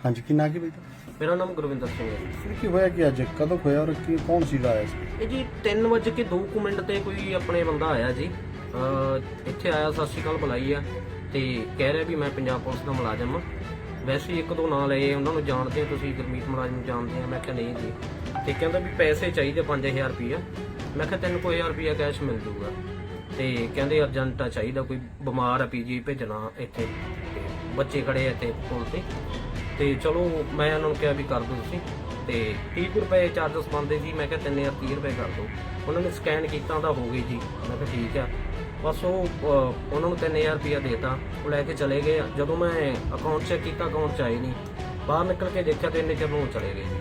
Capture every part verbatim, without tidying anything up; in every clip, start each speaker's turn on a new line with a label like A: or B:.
A: हाँ जी, की ना की भाई
B: ਮੇਰਾ ਨਾਮ ਗੁਰਵਿੰਦਰ ਸਿੰਘ ਹੈ ਜੀ।
A: फिर की होया कि अज कदों होया और की कौन सी आया सी?
B: ਇਹ ਜੀ ਤਿੰਨ ਵਜੇ ਕੇ ਦੋ ਕੁ ਮਿੰਟ ਤੇ ਕੋਈ ਆਪਣੇ ਬੰਦਾ ਆਇਆ ਜੀ, ਅਹ ਇੱਥੇ ਆਇਆ, ਸਤਿ ਸ਼੍ਰੀ ਅਕਾਲ ਬੁਲਾਈ ਆ ਤੇ ਕਹਿ ਰਿਹਾ ਵੀ ਮੈਂ ਪੰਜਾਬ ਪੁਲਿਸ ਦਾ ਮੁਲਾਜ਼ਮ ਆ। ਵੈਸੇ ਹੀ ਇੱਕ ਦੋ ਨਾਂ ਲਏ, ਉਹਨਾਂ ਨੂੰ ਜਾਣਦੇ ਆ ਤੁਸੀਂ, ਗੁਰਮੀਤ ਮੁਲਾਜ਼ਮ ਨੂੰ ਜਾਣਦੇ ਆ। ਮੈਂ ਕਿਹਾ ਨਹੀਂ ਜੀ। ਤੇ ਕਹਿੰਦਾ ਵੀ ਪੈਸੇ ਚਾਹੀਦੇ ਪੰਜ ਹਜ਼ਾਰ ਰੁਪਈਆ। ਮੈਂ ਕਿਹਾ ਤਿੰਨ ਕੁ ਹਜ਼ਾਰ ਰੁਪਈਆ ਕੈਸ਼ ਮਿਲ ਜੂਗਾ। ਤੇ ਕਹਿੰਦੇ ਅਰਜੈਂਟ ਆ, ਚਾਹੀਦਾ, ਕੋਈ ਬਿਮਾਰ ਆ, ਪੀਜੀ ਭੇਜਣਾ ਇੱਥੇ, ਤੇ ਬੱਚੇ ਖੜੇ ਆ ਇੱਥੇ ਪੁਲ ਤੇ। ਤੇ ਚਲੋ ਮੈਂ ਉਹਨਾਂ ਨੂੰ ਕਿਹਾ ਵੀ ਕਰ ਦਿਓ ਤੁਸੀਂ, ਤੇ ਤੀਹ ਕੁ ਰੁਪਏ ਚਾਰਜਸ ਬਣਦੇ ਸੀ। ਮੈਂ ਕਿਹਾ ਤਿੰਨ ਹਜ਼ਾਰ ਤੀਹ ਰੁਪਏ ਕਰ ਦਿਓ। ਉਹਨਾਂ ਨੇ ਸਕੈਨ ਕੀਤਾ ਤਾਂ ਹੋ ਗਈ ਜੀ। ਮੈਂ ਕਿਹਾ ਠੀਕ ਆ। ਬਸ ਉਹ ਅਹ, ਉਹਨਾਂ ਨੂੰ ਤਿੰਨ ਹਜ਼ਾਰ ਰੁਪਇਆ ਦੇਤਾ, ਉਹ ਲੈ ਕੇ ਚਲੇ ਗਏ। ਜਦੋਂ ਮੈਂ ਅਕਾਊਂਟ ਚੈੱਕ ਕੀਤਾ, ਅਕਾਊਂਟ 'ਚ ਆਏ ਨਹੀਂ। ਬਾਹਰ ਨਿਕਲ ਕੇ ਦੇਖਿਆ ਤੇ ਇੰਨੇ ਚਿਰ ਨੂੰ ਉਹ ਚਲੇ ਗਏ ਜੀ।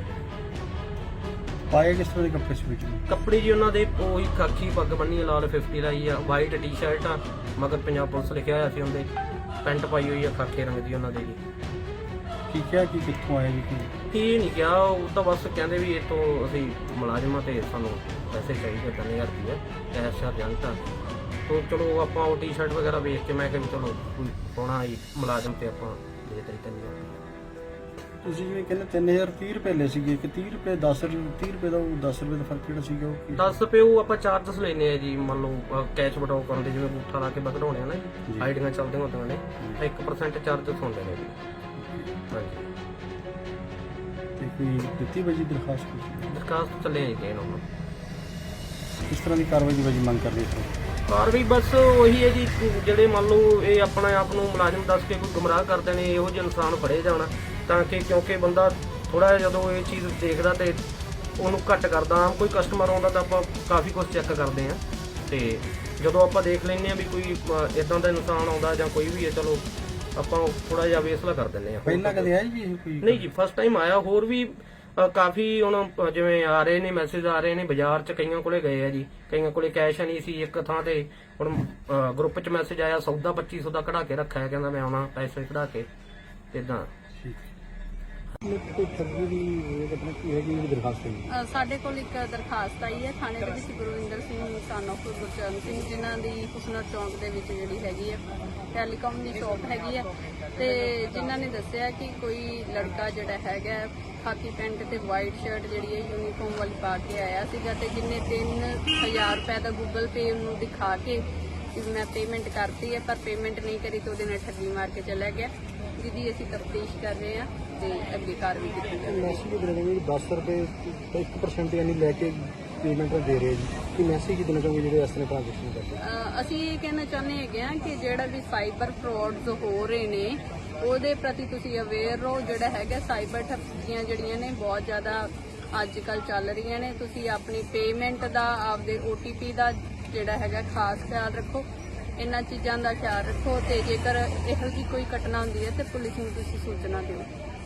A: पाए किस तरह के कपड़े सी बीच में?
B: ਕੱਪੜੇ ਜੀ ਉਹਨਾਂ ਦੇ ਉਹੀ ਖਾਕੀ ਪੱਗ ਬੰਨੀ ਆ, ਲਾਲ ਫਿਫਟੀ ਲਾਈ ਆ, ਵਾਈਟ ਟੀ-ਸ਼ਰਟ ਆ, ਮਗਰ ਪੰਜਾਬ ਪੁਲਿਸ ਲਿਖਿਆ ਹੋਇਆ ਸੀ ਉਹਦੇ, ਪੈਂਟ ਪਾਈ ਹੋਈ ਆ ਖਾਕੇ ਰੰਗ ਦੀ ਉਹਨਾਂ ਦੇ ਜੀ।
A: की क्या की कितों आए जी की?
B: ਇਹ ਨਹੀਂ ਕਿਹਾ, ਉਹ ਤਾਂ ਬਸ ਕਹਿੰਦੇ ਵੀ ਇਹ ਤੋਂ ਅਸੀਂ ਮੁਲਾਜ਼ਮਾਂ ਤੇ ਸਾਨੂੰ ਪੈਸੇ ਚਾਹੀਦੇ ਤਿੰਨ ਹਜ਼ਾਰ ਰੁਪਏ ਕੈਸ਼ ਅਰਜੈਂਟ ਆ। ਤੋ ਚਲੋ ਆਪਾਂ ਉਹ ਟੀ-ਸ਼ਰਟ ਵਗੈਰਾ ਵੇਖ ਕੇ ਮੈਂ ਕਿਹਾ ਵੀ ਚਲੋ ਕੋਈ ਪਾਉਣਾ ਹੀ ਮੁਲਾਜ਼ਮ ਤੇ ਆਪਾਂ ਦੇ ਦਿੱਤੇ ਤਿੰਨ ਹਜ਼ਾਰ ਰੁਪਏ।
A: ਤੁਸੀਂ ਜਿਵੇਂ ਕਹਿੰਦੇ ਤਿੰਨ ਹਜ਼ਾਰ ਤੀਹ ਰੁਪਏ ਲੈ ਸੀਗੇ ਕਿ ਤੀਹ ਰੁਪਏ ਦਸ ਰੁਪਏ ਤੀਹ ਰੁਪਏ ਦਾ ਉਹ ਦਸ ਰੁਪਏ ਦਾ ਫਰਕ ਕਿਹੜਾ ਸੀਗਾ ਉਹ ਕੀ?
B: ਦਸ ਰੁਪਏ ਉਹ ਆਪਾਂ ਚਾਰਜਸ ਲੈਨੇ ਆ ਜੀ। ਮੰਨ ਲਓ ਕੈਸ਼ ਵਟਾਓ ਕਰਨ ਦੇ, ਜਿਵੇਂ ਬੂਠਾ ਲਾ ਕੇ ਵਧਾਉਣੇ ਆ ਨਾ ਜੀ, ਆਈਡੀਆਂ ਚੱਲਦੀਆਂ ਹੁੰਦੀਆਂ ਨੇ, ਤਾਂ ਇੱਕ ਪਰਸੈਂਟ ਚਾਰਜਸ ਹੁੰਦੇ ਨੇ ਜੀ। ਹਾਂਜੀ,
A: ਤੇ ਕੋਈ ਦਿੱਤੀ ਵਜੀ ਦਰਖਾਸਤ ਕੀਤੀ?
B: ਦਰਖਾਸਤ ਚੱਲੇ ਜੀ ਦੇਣ ਉਹਨੂੰ।
A: ਕਿਸ ਤਰ੍ਹਾਂ ਦੀ ਕਾਰਵਾਈ ਦੀ ਵਜੀ ਮੰਗ ਕਰ ਰਹੇ ਸੀ?
B: ਕਾਰਵਾਈ ਬਸ ਉਹੀ ਹੈ ਜੀ, ਜਿਹੜੇ ਮੰਨ ਲਓ ਇਹ ਆਪਣੇ ਆਪ ਨੂੰ ਮੁਲਾਜ਼ਮ ਦੱਸ ਕੇ ਕੋਈ ਗੁੰਮਰਾਹ ਕਰਦੇ ਨੇ, ਇਹੋ ਜਿਹੇ ਇਨਸਾਨ ਫੜੇ ਜਾਣ ਤਾਂ ਕਿ, ਕਿਉਂਕਿ ਬੰਦਾ ਥੋੜਾ ਜਿਹਾ ਜਦੋਂ ਇਹ ਚੀਜ਼ ਦੇਖਦਾ ਤੇ ਉਹਨੂੰ ਘੱਟ ਕਰਦਾ। ਆਮ ਕੋਈ ਕਸਟਮਰ ਆਉਂਦਾ ਤਾਂ ਆਪਾਂ ਕਾਫੀ ਕੁਝ ਚੈੱਕ ਕਰਦੇ ਆ, ਤੇ ਜਦੋਂ ਆਪਾਂ ਦੇਖ ਲੈਂਦੇ ਆ ਵੀ ਕੋਈ ਇਦਾਂ ਦਾ ਇਨਸਾਨ ਆਉਂਦਾ ਜਾਂ ਕੋਈ ਵੀ ਹੈ, ਚਲੋ ਆਪਾਂ ਥੋੜਾ ਜਿਹਾ ਵੇਸਲਾ ਕਰ ਦਿੰਦੇ ਆ।
A: ਪਹਿਲਾਂ ਕਦੇ ਆਈ ਜੀ ਇਹ ਕੋਈ?
B: ਨਹੀਂ ਜੀ, ਫਸਟ ਟਾਈਮ ਆਇਆ। ਹੋਰ ਵੀ ਅ, ਕਾਫੀ ਹੁਣ ਅ, ਜਿਵੇਂ ਆ ਰਹੇ ਨੇ ਮੈਸੇਜ ਆ ਰਹੇ ਨੇ, ਬਾਜ਼ਾਰ 'ਚ ਕਈਆਂ ਕੋਲੇ ਗਏ ਆ ਜੀ, ਕਈਆਂ ਕੋਲੇ ਕੈਸ਼ ਨਹੀਂ ਸੀ ਇੱਕ ਥਾਂ ਤੇ। ਹੁਣ ਗਰੁੱਪ 'ਚ ਮੈਸੇਜ ਆਇਆ, ਸੌਦਾ ਪੱਚੀ ਸੌ ਦਾ ਕਢਾ ਕੇ ਰੱਖਿਆ, ਕਹਿੰਦਾ ਮੈਂ ਆਉਣਾ ਪੈਸੇ ਕਢਾ ਕੇ, ਇਦਾਂ।
A: ਕੋਈ ਠੱਗੀ ਦੀ ਘਟਨਾ ਕੀ ਹੈਗੀ ਜਿਹੜੀ ਦਰਖਾਸਤ ਹੈ?
C: ਅ, ਸਾਡੇ ਕੋਲ ਇੱਕ ਦਰਖਾਸਤ ਆਈ ਹੈ ਥਾਣੇ ਦੇ ਵਿੱਚ ਗੁਰਵਿੰਦਰ ਸਿੰਘ ਸਨ ਆਫ ਗੁਰਚਰਨ ਸਿੰਘ, ਜਿਨ੍ਹਾਂ ਦੀ ਹੁਸਨਰ ਚੌਂਕ ਦੇ ਵਿੱਚ ਜਿਹੜੀ ਹੈਗੀ ਹੈ ਟੈਲੀਕਾਮ ਦੀ ਸ਼ਾਪ ਹੈਗੀ ਹੈ, ਤੇ ਜਿਨ੍ਹਾਂ ਨੇ ਦੱਸਿਆ ਕਿ ਕੋਈ ਲੜਕਾ ਜਿਹੜਾ ਹੈਗਾ ਖਾਕੀ ਪੈਂਟ ਤੇ ਵਾਈਟ ਸ਼ਰਟ ਜਿਹੜੀ ਹੈ ਯੂਨੀਫਾਰਮ ਵਾਲੀ ਪਾ ਕੇ ਆਇਆ ਸੀਗਾ, ਤੇ ਜਿੰਨੇ ਤਿੰਨ ਹਜ਼ਾਰ ਰੁਪਏ ਦਾ ਗੂਗਲ ਪੇ ਉਹਨੂੰ ਦਿਖਾ ਕੇ ਕਿ ਮੈਂ ਪੇਮੈਂਟ ਕਰਤੀ ਹੈ, ਪਰ ਪੇਮੈਂਟ ਨਹੀਂ ਕਰੀ ਤੇ ਉਹਦੇ ਨਾਲ ਠੱਗੀ ਮਾਰ ਕੇ ਚਲਾ ਗਿਆ, ਜਿਹਦੀ ਅਸੀਂ ਤਫਤੀਸ਼ ਕਰ ਰਹੇ ਹਾਂ ਤੇ ਅੱਗੇ ਕਾਰਵਾਈ ਕੀਤੀ ਜਾਵੇਗੀ।
A: ਮੈਸੇਜ ਦੇ ਰਹੇ ਦਸ ਰੁਪਏ ਇੱਕ ਪਰਸੈਂਟ ਯਾਨੀ ਲੈ ਕੇ ਪੇਮੈਂਟ ਦੇ ਰਹੇ ਜੀ, ਕਿ ਮੈਸੇਜ ਕੀ ਦੇਣਾ ਚਾਹੋਗੇ ਜਿਹੜੇ ਇਸ ਤਰ੍ਹਾਂ ਟ੍ਰਾਂਜੈਕਸ਼ਨ ਕਰਦੇ?
C: ਅ, ਅਸੀਂ ਇਹ ਕਹਿਣਾ ਚਾਹੁੰਦੇ ਹੈਗੇ ਹਾਂ ਕਿ ਜਿਹੜਾ ਵੀ ਸਾਈਬਰ ਫਰਾਡਸ ਹੋ ਰਹੇ ਨੇ ਉਹਦੇ ਪ੍ਰਤੀ ਤੁਸੀਂ ਅਵੇਅਰ ਰਹੋ। ਜਿਹੜਾ ਹੈਗਾ ਸਾਈਬਰ ਠੱਗੀਆਂ ਜਿਹੜੀਆਂ ਨੇ ਬਹੁਤ ਜ਼ਿਆਦਾ ਅੱਜ ਕੱਲ ਚੱਲ ਰਹੀਆਂ ਨੇ। ਤੁਸੀਂ ਆਪਣੀ ਪੇਮੈਂਟ ਦਾ, ਆਪਦੇ ਓ ਟੀ ਪੀ ਦਾ ਜਿਹੜਾ ਹੈਗਾ ਖਾਸ ਖਿਆਲ ਰੱਖੋ, ਇਹਨਾਂ ਚੀਜ਼ਾਂ ਦਾ ਖਿਆਲ ਰੱਖੋ, ਤੇ ਜੇਕਰ ਇਹੋ ਜਿਹੀ ਕੋਈ ਘਟਨਾ ਹੁੰਦੀ ਹੈ ਤੇ ਪੁਲਿਸ ਨੂੰ ਤੁਸੀਂ ਸੂਚਨਾ ਦਿਓ।